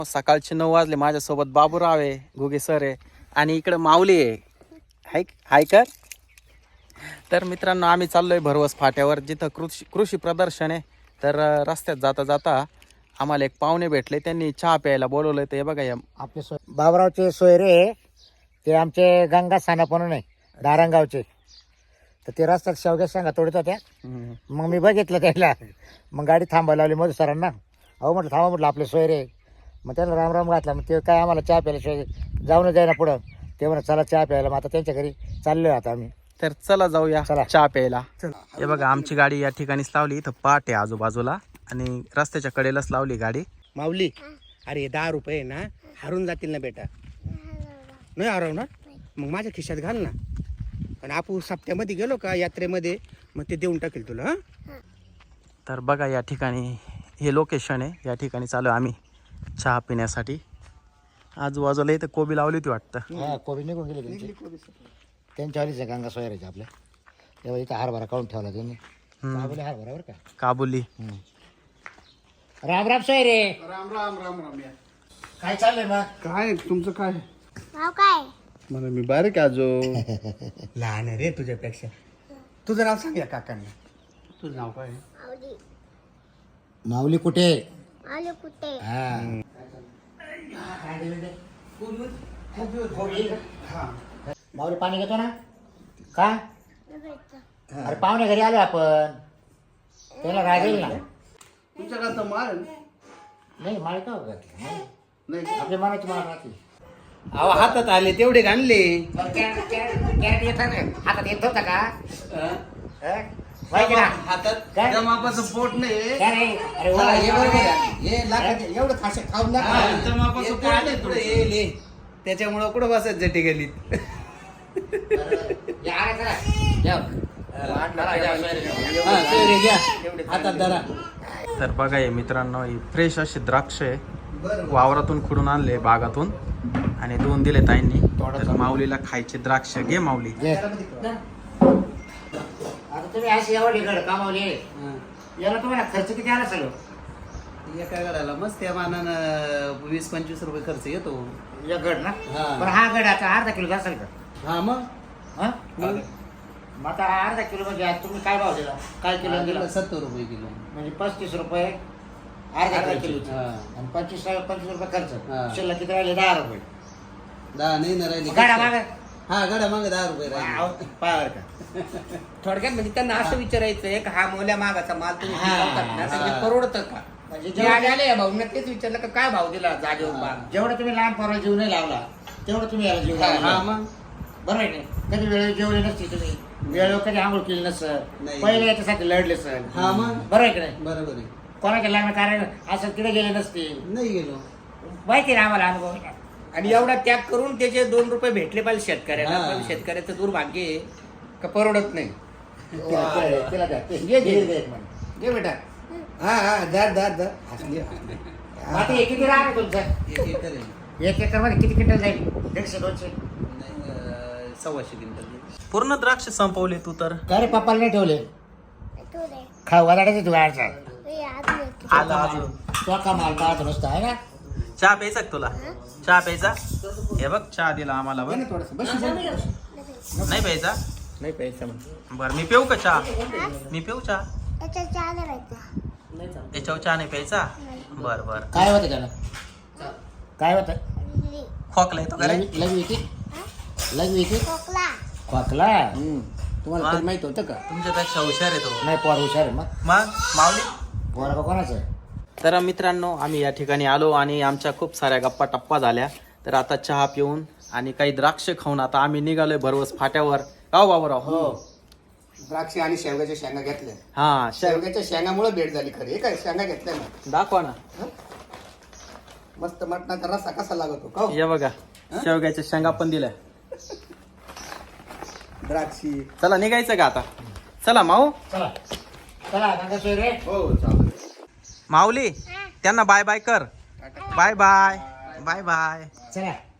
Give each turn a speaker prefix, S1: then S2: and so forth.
S1: सकाळचे 9 वाजले. माझ्यासोबत बाबूराव आहे, घुगे सर आहे आणि इकडे माऊली आहे. हाय कर. तर मित्रांनो आम्ही चाललोय भरवस फाट्यावर, जिथं कृषी प्रदर्शन आहे. तर रस्त्यात जाता जाता आम्हाला एक पाहुणे भेटले, त्यांनी चहा प्यायला बोलवलंय. ते बघा या
S2: आपले बाबरावचे सोयरे, ते आमचे गंगा साना म्हणून आहे, दारंगावचे. तर ते रस्त्यात शेवग्या शेंगा तोडत होत्या. मग मी बघितलं त्याला, मग गाडी थांबायला लावली मधू सरांना. अहो म्हटलं थांबा, म्हटलं आपले सोयरे. मग त्याला राम घातला. मग ते काय आम्हाला चहा प्यायला जाऊन जाईना पुढं. ते म्हणा चला चहा प्यायला. मग आता त्यांच्या घरी चाललोय आता आम्ही.
S1: तर चला जाऊया
S2: चला
S1: चहा प्यायला. हे बघा आमची गाडी या ठिकाणीच लावली. इथं पाट आहे आजूबाजूला आणि रस्त्याच्या कडेलाच लावली गाडी.
S3: माऊली, अरे 10 रुपये ना हरून जातील ना बेटा. नाही हरवणार? मग माझ्या खिशात घाल ना. आणि आपण सप्त्यामध्ये गेलो का यात्रेमध्ये, मग ते देऊन टाकेल तुला. हा.
S1: तर बघा या ठिकाणी हे लोकेशन आहे. या ठिकाणी चालू आम्ही चहा पिण्यासाठी. आजूबाजूला इथं कोबी लावली होती वाटतं.
S2: हा, कोबी निघून गेली त्यांची. त्यांच्या वालीच गंगा सोयऱ्याचे आपल्या. तेव्हा इथं हरभरा काढून ठेवला त्यांनी. काबुली हरभरा बरं का.
S1: काबुली.
S2: राम राम सोयरे.
S3: राम राम राम राम.
S2: काय चाललंय मग?
S3: काय तुमचं काय?
S4: नाव काय?
S3: मला मी बारीक आजो. लहान आहे रे तुझ्यापेक्षा. तुझं नाव सांग या काकांना. तुझं नाव काय?
S4: आवडी.
S2: माऊली कुठे?
S4: आले कुठे?
S2: हा. माऊली पाणी घेतो ना का? अरे पाहुणे घरी आलो आपण, त्याला राग येईल ना.
S3: तुमच्याकडे तर मार
S2: नाही माळ का
S3: नाही.
S2: आपल्या मनाची माळ राहते.
S3: अहो हातात आले तेवढे घाणले.
S2: कॅरेट येत ना हातात येत होता का? माहिती ना
S3: हातात
S2: काय?
S3: त्या मापाचं पोट नाही.
S2: काय रे? अरे
S3: हा, हे बरोबर
S2: वा.
S3: आहे. हे लाखात एवढं खाशा खाऊन
S2: हा,
S3: त्या मापाचं पोट नाही पुढे येईल हे. त्याच्यामुळं कुठं बसत जटी गलीत.
S2: या रे चला. या.
S3: हा, सोयरे घ्या. हातात धरा.
S1: तर बघा हे मित्रांनो ही फ्रेश अशी द्राक्ष आहे, वावरातून खुडून आणले बागातून आणि 2 दिले ताईंनी. तर माऊलीला खायचे द्राक्ष. घे माऊली.
S2: घे. आता तुम्ही अशी एवढी गड कामावली, याला तुम्हाला खर्च किती आला सगळं?
S3: एका गडाला मस्त त्या मानानं 20-25 रुपये खर्च येतो.
S2: एक गड ना?
S3: हा.
S2: पण हा गड आता अर्धा किलो असेल का?
S3: हा मग
S2: हा? मग आता अर्धा किलो म्हणजे आज तुम्ही काय भाव दिला? काय किलो दिला?
S3: 70 रुपये किलो.
S2: म्हणजे 35 रुपये अर्धा किलो.
S3: हा.
S2: आणि 25 रुपये खर्च.
S3: हा.
S2: शिल्लक किती राहिले? 10 रुपये.
S3: 10 नाही ना राहिली.
S2: गाडा मागे.
S3: हा गडा मागे 10 रुपये राहिले.
S2: पायावर का?
S5: थोडक्यात म्हणजे त्यांना असं विचारायचंय का हा मोल्या मागाचा माल तुम्ही
S2: हा,
S5: पिकवतात ना, तर ते
S2: हा.
S5: परवडतं का?
S2: म्हणजे
S5: जे आले आले या भाऊंना तेच विचारलं का काय भाव दिला जागेवर माल.
S2: जेवढं तुम्ही लहान पोराला जीव नाही लावला, तेवढं तुम्ही याला जीव
S5: हा,
S3: हा
S2: लावला.
S3: मग
S2: बरोबर आहे नाही? कधी वेळेवर जेवले नसते तुम्ही, वेळेवर कधी आंघोळ केली नसल,
S3: नाही.
S2: पहिले याच्यासाठी लढले सर.
S3: हा मग
S2: बरोबर आहे की नाही?
S3: बरोबर आहे.
S2: कोणाच्या लग्न कार्य असं तिथे गेले नसते.
S3: नाही गेलो.
S2: माहिती ना आम्हाला अनुभव.
S5: आणि एवढा त्याग करून त्याचे 2 रुपये भेटले पाहिजे शेतकऱ्याला.
S3: हा.
S5: पण शेतकऱ्याचं दुर्भाग्य आहे का परवडत नाही.
S2: तिला द्या.
S5: घे, घे.
S2: एक मिनिट.
S5: घे बेटा.
S3: हा हा धर धर धर.
S2: आता हे किती राहणार तुमचं?
S3: एक एकर आहे.
S2: 1 एकर मध्ये किती क्विंटल जाईल? 150-200.
S3: नाही, 125 क्विंटल.
S1: पूर्ण द्राक्ष संपवले तू तर.
S2: का रे पप्पाला नाही ठेवले?
S4: तू रे.
S2: खाऊ वाटायचं तू गाडचा.
S4: मी आज येतो.
S1: आला अजून.
S2: तो का माल पाहतो नुसतं आहे ना?
S1: चहा प्यायचा का तुला? चहा प्यायचा? हे बघ चहा दिला आम्हाला बघ.
S3: थोडस बस.
S1: नाही प्यायचा?
S5: नाही पैसा म्हणतो.
S1: बरं मी पिऊ का चहा? मी पिऊ चहा?
S4: त्याच्या चहा नाही व्हायचा.
S1: त्याच्यावर चहा नाही प्यायचा? बरं बरं.
S2: काय होतं त्याला? काय होतं?
S1: खोकला येतो का रे?
S2: लघवी की? लघवी की?
S4: खोकला.
S2: खोकला?
S3: तुम्हाला
S1: वा.
S3: तरी माहित होतं का?
S1: तुमच्यापेक्षा हुशार आहे तो.
S2: नाही पोर हुशार आहे मग.
S1: मग माऊली.
S2: पोर का कोणाचं आहे?
S1: तर मित्रांनो आम्ही या ठिकाणी आलो आणि आमच्या खूप साऱ्या गप्पा टप्पा झाल्या. तर आता चहा पिऊन आणि काही द्राक्ष खाऊन आता आम्ही निघालोय भरवस फाट्यावर. गाव बाबूराव.
S3: हो. द्राक्षे आणि शेवग्याच्या शेंगा घेतल्या.
S1: हा
S3: शेवग्याच्या शेंगामुळे भेट झाली खरी. काय शेंगा घेतल्या ना.
S1: दाखवा ना.
S3: मस्त मटणाचा रस्सा कसा लागतो का?
S1: हे बघा शेवग्याच्या शेंगा पण दिल्या.
S3: द्राक्षी.
S1: चला निघायचं का आता? चला माऊ.
S2: चला चला गंगा सोयरे.
S3: हो चालेल.
S1: माऊली त्यांना बाय बाय कर. Bye bye. Bye bye.
S2: चला